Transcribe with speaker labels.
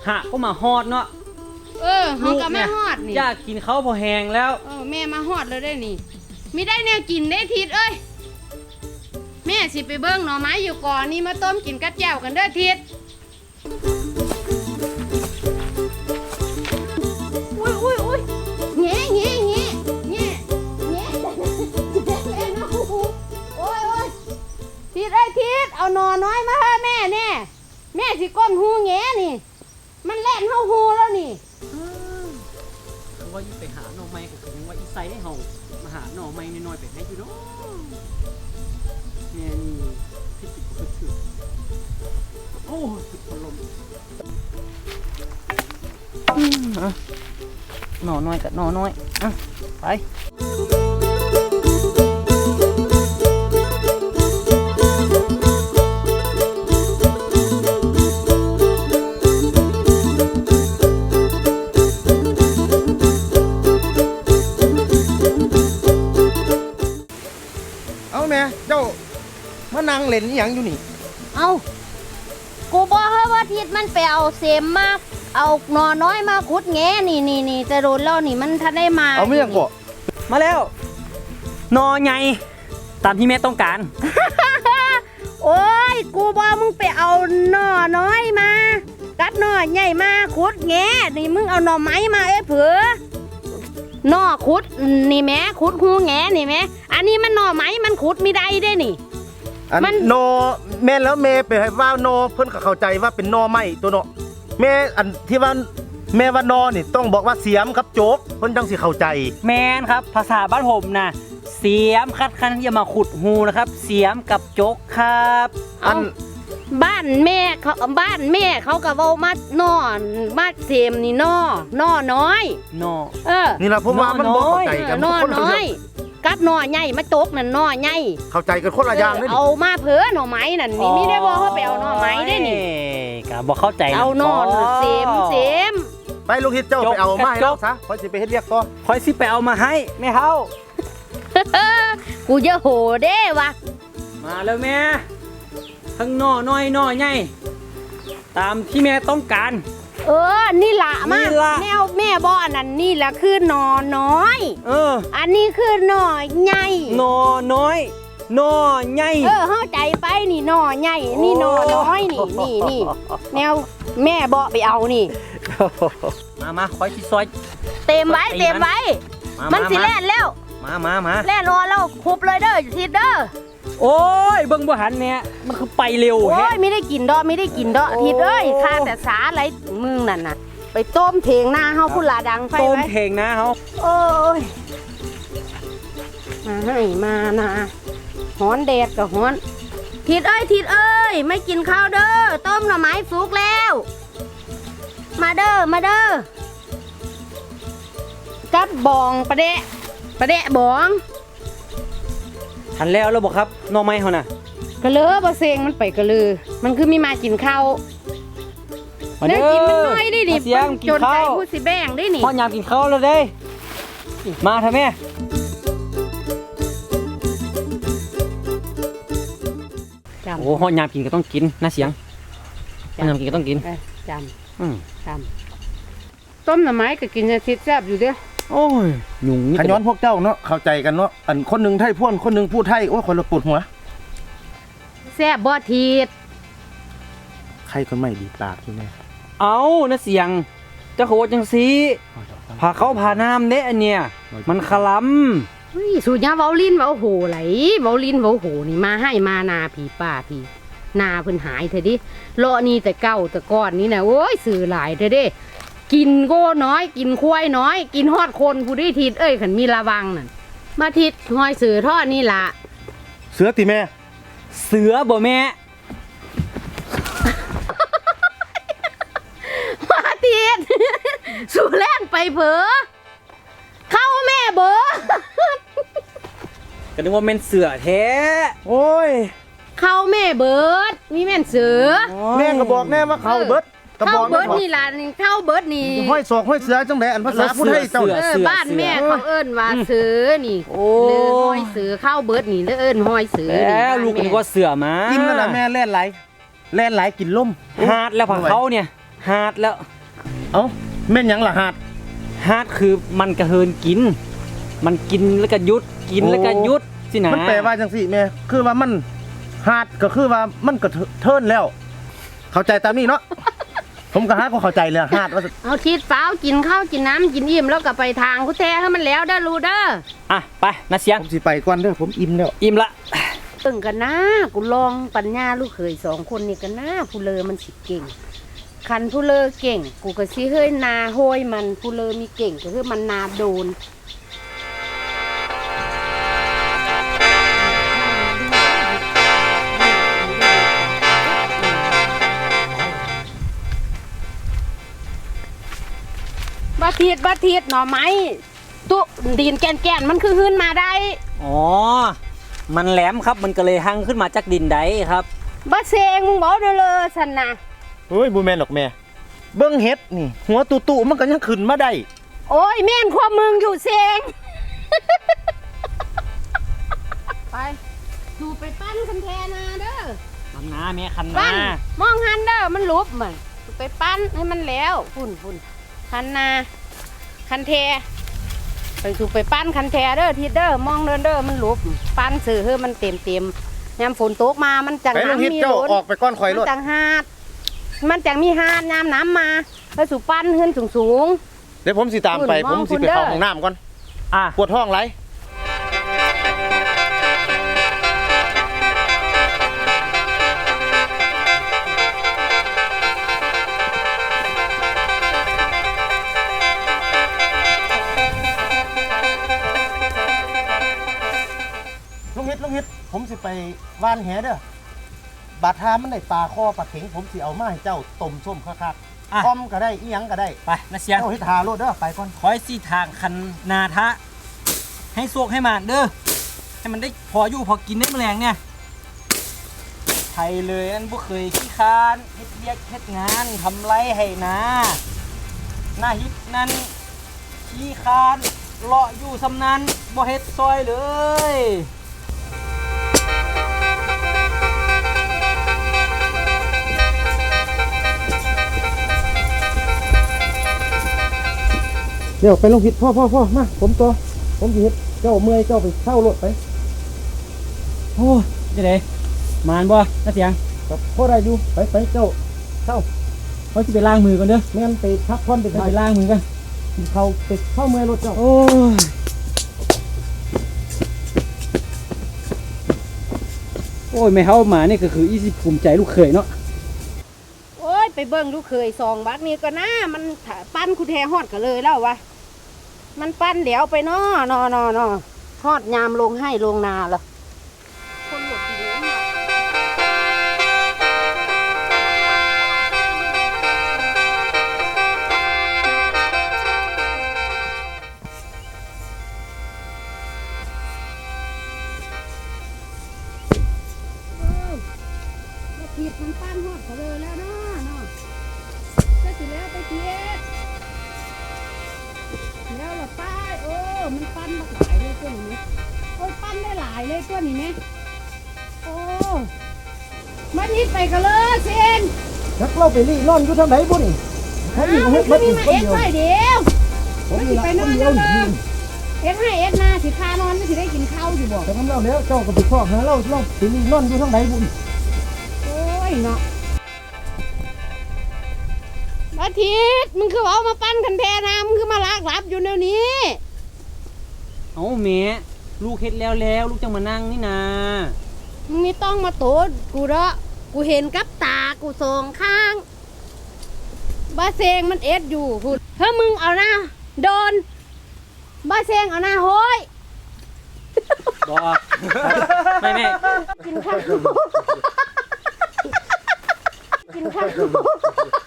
Speaker 1: หะก็มาฮอดเนาะ
Speaker 2: เขาก็มาฮอดนี่
Speaker 1: อยากกินเขาพอแห้งแล้ว
Speaker 2: แม่มาฮอดแล้วได้นี่ไม่ได้แนวกินได้ทิศเอ้ยแม่สิไปเบิ้งหน่อไม้อยู่ก่อนนี่มาต้มกินกัดแจ่วกันเด้อทิศอุ้ยแง่ทิศไอ้ทิศเอาหน่อน้อยมาให้แม่เนี่ยแม่สิก้มหูแง่นี่มันแล่นเข้าหูแล้วนี่
Speaker 1: ว่าไปหาหน่อไม้ก็คือว่าอีไซให้เฮามาหาหน่อไม้น้อยๆไปให้อยู่เนาะเนี่ยนี่ที่ติดก็คือโอ้สุดพลมหน่อน้อยกับหน่อน้อยไป
Speaker 3: เจ้ามานั่งเล่นอย่างอยู่นี่
Speaker 2: เอากูบอกให้ว่าทิศมันไปเอาเสมมาเอาหนอน้อยมาขุดแง่นี่จะโดนแล้วนี่มันทันได้มา
Speaker 3: เอาไม่ยังก่อ
Speaker 1: มาแล้วหน่อใหญ่ตามที่แม่ต้องการ
Speaker 2: โอ้ยกูบอกมึงไปเอาหน่อน้อยมากัดหน่อใหญ่มาขุดแง่นี่มึงเอาหน่อไม้มาเผือหน่อขุดนี่แม่ขุดหูแง่นี่แม่อันนี้มันหน่อไม้มันขุดไม่ได้ได้นี่
Speaker 3: มันโนแม่แล้วแม่ไปให้ว่าโนเพิ่นก็เข้าใจว่าเป็นนอไม้ตัวเนาะแม่อันที่ว่าแม่ว่านอนี่ต้องบอกว่าเสียมครับโจ๊กเพิ่นจังสิเข้าใจ
Speaker 1: แมนครับภาษาบ้านผมนะเสียมคัดคันที่จะมาขุดหูนะครับเสียมกับโจ๊กครับ
Speaker 2: บ้านแม่เขาก็เว้ามาหน่อมาเสียมนี่หน่อน้อย
Speaker 1: หน่อ
Speaker 3: นี่ล่ะผมว่ามันบ่เข้าใจกัน
Speaker 2: หน่อน้อยกับหน่อใหญ่มาโจ๊กนั่นหน่อใหญ่
Speaker 3: เข้าใจกันคนละอย่างเลย
Speaker 2: เอามาเผือหน่อไม้นั่นนี่ไม่ได้บอกเขาไปเอาหน่อไม้ได้นี่
Speaker 1: ก็บ่เข้าใจ
Speaker 2: เอาหน่อเสียม
Speaker 3: ไปลูกฮิตเจ้าไปเอามาให้เราซะค่อยสิไปเฮ็ดเรียกต่อ
Speaker 1: ค่อยสิไปเอามาให้แม่เฮา
Speaker 2: กูจะโหเด้วะ
Speaker 1: มาแล้วแม่ทั้งหน่อน้อยหน่อใหญ่ตามที่แม่ต้องการ
Speaker 2: นี่ละมากแนวแม่บอกอันนั้นนี่ละคือหน่อน้อยอันนี้คือหน่อใหญ่
Speaker 1: หน่อน้อยหน่อใหญ่
Speaker 2: เข้าใจไปนี่หน่อใหญ่นี่หน่อน้อยนี่แนวแม่บอกไปเอานี่
Speaker 1: มาคอยที่ซอย
Speaker 2: เต็มไว้มันสิแล่นแล้ว
Speaker 1: มา
Speaker 2: แล่นรอแล้วคุบเลยเด้อทิศเด้อ
Speaker 1: โอ้ยเบิ่งบ่หันเนี่ยมันคือไปเร็ว
Speaker 2: โอ้ยไม่ได้กินดอกทิศเอ้ยข้าแต่สาอะไรมึงนั่นน่ะไปต้มเถงหน้าเฮาพุ่นลาดังไฟไว้
Speaker 1: ต้มเถงหน้าเฮา
Speaker 2: โอ้ยมาให้มานะฮ้อนแดดกับฮ้อนทิศเอ้ยไม่กินข้าวเด้อต้มหน่อไม้สุกแล้วมาเด้อกับบองประเดะบอง
Speaker 1: ทันแล้วบอกครับหน่อไม้เขาน่ะ
Speaker 2: กระเลือบะเซงมันไปกระลือมันคือมีมากินข้าวเด้กินมันน้อยได้ดิจนใจพูดสิแบ่งได้นี่
Speaker 1: พ่อยามกินข้าวแล้วได้มาทำแม่โอ้พ่อยามกินก็ต้องกินนะเสียงพ่อยามกินก็ต้องกิน
Speaker 2: จำต้มหน่อไม้ก็กินจะทิศแซ่บอยู่เด้อ
Speaker 1: โอ้ยหนุ่ม
Speaker 3: ขย้อนพวกเจ้าเนาะเข้าใจกันเนาะอันคนหนึ่งไทยพ่นคนหนึ่งพูดไทยโอ้ยคนละปวดหัว
Speaker 2: แซ่บบ่ทีด
Speaker 3: ใครก็ไม่ดีปากที่แม่
Speaker 1: เอานะเสียงเจ้าโคจังซีพาเขาพาน้ำเด้อันเนี้ยมันขล
Speaker 2: ำสูญญาเว้าลิ้นเว้าโหไหลเว้าลิ้นเว้าโหนี่มาให้มานาผีป่าผีนาเพิ่นหายเถอะดิเลาะนี่แต่เก้าแต่ก้อนนี่นะโอ้ยสื่อหลายเถอะดิกินโก้น้อยกินควายน้อยกินฮอดคนผู้ได้ทิศขันมีระวังนั่นมาทิศหอยเสือทอดนี่ละ
Speaker 3: เสือติแม่
Speaker 1: เสือบ่แม่
Speaker 2: มาทิศสู่แล่นไปเผลอเข้าแม่เบอ
Speaker 1: ก็นึกว่าแม่นเสือแท้
Speaker 3: โอ้ย
Speaker 2: เข้าแม่เบิร์ดมีแม่นเสือ
Speaker 3: แม่ก็บอกแน่ว่าเข้าเบิร์ด
Speaker 2: เข้าเบิร์ดนี่ล่ะเข้าเบิร์ดนี่
Speaker 3: ห้อยศอกห้อยเสือจังได๋อันภาษาพูดให้เจ้า
Speaker 2: บ้านแม่เขาเอิ้นว่าเสือนี่หรือห้อยเสือเข้าเบิร์ดนี่แล้วเอิ้นห้อยเสือ
Speaker 1: แล้วลูกนึกว่าเสือมา
Speaker 3: กินนั่นน่ะแม่แล่นไหลกินล่ม
Speaker 1: หาดแล้วผักเขาเนี่ยหาดแล้ว
Speaker 3: เอ้าแม่นหยังล่ะหาด
Speaker 1: ฮาร์ดคือมันกระเฮินกิน มันกินแล้วก็หยุดกินแล้วก็หยุดสินะ
Speaker 3: มันแปลว่าจังสี่แม่คือว่ามันหาดก็คือว่ามันก็เทิร์นแล้ว เข้าใจตามนี้เนาะ ผมก็หาก็เข้าใจเลยหาดว่า
Speaker 2: เอาทิศเฝ้ากินข้าวกินน้ำกินอิ่มแล้วก็ไปทางกูแท้ให้มันแล้วเด้อรู้เด้อ
Speaker 1: อ่ะไปนะเสียง
Speaker 3: ผมสิไปก่อนเด้อผมอิ่มแล้ว
Speaker 1: อิ่มละ
Speaker 2: ตึงกันนะกูลองปัญญาลูกเขย2คนนี่กันนะผู้เลอมันสิเก่งคันผู้เลอเก่งกูก็สิเฮ้ยนาโหยมันผู้เลอมีเก่งก็คือมันนาโดนบาเทียดหน่อไม้ตุดินแกนมันคือขึ้นมาได้
Speaker 1: อ๋อมันแหลมครับมันก็เลยหั่งขึ้นมาจากดินใดครับ
Speaker 2: บาเซงมึงบอกเด้อเลยสันนะ
Speaker 3: เฮ้ยบ่แม่นหรอกแม่เบิ่งเฮ็ดนี่ หัวตุๆมันก็ยังขึ้นมาได้
Speaker 2: โอ้ยแม่นความมึงอยู่เซง ไปดูไปปั้นคันแทนาเด้อ
Speaker 1: คันนาแม่คัน
Speaker 2: ปั้
Speaker 1: นาน
Speaker 2: มองหันเด้อมันลุบมันดูไปปั้นให้มันแล้วฝุ่นคันนาคันแทไปดูไปปั้นคันแทเด้อทีเด้อมองเด้อมันลุบปั้นสื่อเฮ้มันเต็มยามฝนตกมามันจัง
Speaker 3: ไปลงฮิต
Speaker 2: น้ำมี
Speaker 3: เจ้า
Speaker 2: ล้น
Speaker 3: ออกไปก้อนข่อยร
Speaker 2: มั
Speaker 3: ถ
Speaker 2: นจังหาดมันจังมีหาดยามน้ำมาไปสู่ปั้นขึ้นสูง
Speaker 3: เดี๋ยวผมสิตามไป
Speaker 2: คุณ
Speaker 3: ผมสิไป
Speaker 2: มองคุณเด้อ
Speaker 3: เข้าห้องน้ำก่อน
Speaker 1: อ่ะ
Speaker 3: ปวดท้องไรลุงฮิตผมสิไปว่านแหเด้อบาดทามันได้ปลาคอปลาเข็งผมสิเอามาให้เจ้าต้มส้มคัก
Speaker 1: อ่ะ
Speaker 3: ๆต้มก็ได้อีหยังก็ได้
Speaker 1: ไปนะเสียง
Speaker 3: เจ้าเฮ็ดหาโลดเด้อไปก่อน
Speaker 1: คอยสีทางคันนาทะ ให้สวกให้มานเด้อให้มันได้พออยู่พอกินได้แมลงเนี่ยไทยเลยอันบ่เคยขี้คร้านเฮ็ดเวียกเฮ็ดงานทำไรให้นาหน้าฮิตนั้นขี้คร้านเลาะอยู่สำนั้นบ่เฮ็ดซอยเลย
Speaker 3: เดี๋ยวไปลงผิดพ่อมาผมตัวผมสิเฮ็ดเจ้าเมื่อยเจ้าไปเช่ารถไป
Speaker 1: โอ้ยจะไดมานบ่นะเสียง
Speaker 3: ครับพ่อได้อยู่ไปเจ้าเช่า
Speaker 1: เขาสิไปล้างมือก่อนเด้อ
Speaker 3: แม่นไปพักผ่อนไป
Speaker 1: ไป
Speaker 3: ถ่าย
Speaker 1: ล้างมือกัน
Speaker 3: กินข้าวไปเข้าเมื่อยรถเจ้า
Speaker 1: โอ้ยโอ้ยไม่เฮามานี่ก็คืออีสิภูมิใจลูกเขยเนาะ
Speaker 2: ๆโอ้ยไปเบิ่งลูกเคย2 บักนี่ก็นะมันปั้นกูแทฮอดก็เลยแล้ววะมันปั้นเดี๋ยวไปนอฮอดยามลงให้ลงนาละคนหมดทีเดียวผิดมันปั้นฮอดก็เลยแล้วเนาะก็สิแล้วไปเทียดแล้วละป้ายมันปั้นบักหลายเลยตัวนี้โอ้ยปั้นได้หลายเลยตัวนี้ไหมโอ้มาทิศไปกันเลยเซน
Speaker 3: นักเล่าไปรี่นอนอยู่ทางไหนบุญ
Speaker 2: มันคือมีมาเอ็ดไว้เดียวมันสิไปนอนเด้อเอ็ดให้เอ็ดนาสิพานอนไม่สิได้กินข้าวอยู่บ่
Speaker 3: แต่น้ำเล่าแล้วเจ้าก็ไปพ่อหาเล่าไปรี่นอนอยู่ทางไหนบุญ
Speaker 2: โอ้ยเนาะอาทิตย์มึงคือเอามาปั้นคันแทนามึงคือมาลากรับอยู่เดี๋ยวนี้
Speaker 1: เอาแม่ลูกเฮ็ดแล้วลูกจังมานั่งนี่นา
Speaker 2: มึงนี่ต้องมาโตดกูเด้อกูเห็นกับตากูสองข้างบาเซงมันเอ็ดอยู่พูดถ้ามึงเอาหน้าโดนบาเซงเอาหน้าโห้ย
Speaker 1: บ่ไม่
Speaker 2: กินข้าวกินข้าว